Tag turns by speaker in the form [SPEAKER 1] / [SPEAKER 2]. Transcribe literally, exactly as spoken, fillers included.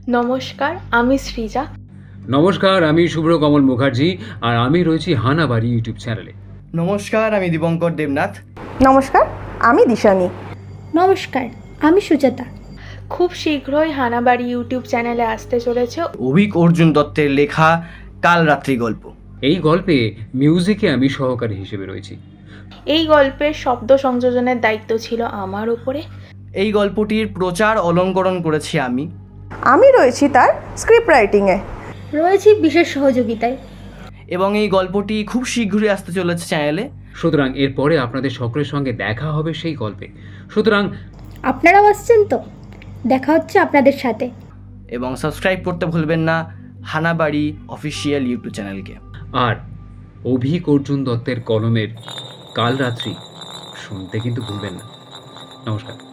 [SPEAKER 1] নমস্কার, আমি সৃজা।
[SPEAKER 2] নমস্কার, আমি শুভ্র কমল মুখার্জি, আর আমি রয়েছি হানাবাড়ি ইউটিউব চ্যানেলে।
[SPEAKER 3] নমস্কার, আমি দীপঙ্কর দেবনাথ।
[SPEAKER 4] নমস্কার, আমি দিশানি।
[SPEAKER 5] নমস্কার, আমি সুজাতা।
[SPEAKER 1] খুব শীঘ্রই হানাবাড়ি ইউটিউব চ্যানেলে আসতে চলেছে
[SPEAKER 3] অভিক অর্জুন দত্তের লেখা কাল রাত্রি গল্প।
[SPEAKER 2] এই গল্পে মিউজিকে আমি সহকারী হিসেবে রয়েছি।
[SPEAKER 1] এই গল্পের শব্দ সংযোজনের দায়িত্ব ছিল আমার উপরে।
[SPEAKER 3] এই গল্পটির প্রচার অলঙ্করণ করেছি আমি।
[SPEAKER 4] আমি রয়েছি তার স্ক্রিপ্ট রাইটিংয়ে।
[SPEAKER 5] রয়েছি বিশেষ সহযোগিতায়।
[SPEAKER 3] এবং এই গল্পটি খুব শীঘ্রই আসতে চলেছে চ্যানেলে।
[SPEAKER 2] সুতরাং এরপরে আপনাদের সকলের সঙ্গে দেখা হবে সেই গল্পে। সুতরাং
[SPEAKER 5] আপনারাও আসছেন তো? দেখা হচ্ছে আপনাদের সাথে।
[SPEAKER 3] এবং সাবস্ক্রাইব করতে ভুলবেন না হানাবাড়ি অফিসিয়াল ইউটিউব চ্যানেলকে।
[SPEAKER 2] আর অভিক অর্জুন দত্তের কলমের কাল রাত্রি শুনতে কিন্তু ভুলবেন না। নমস্কার।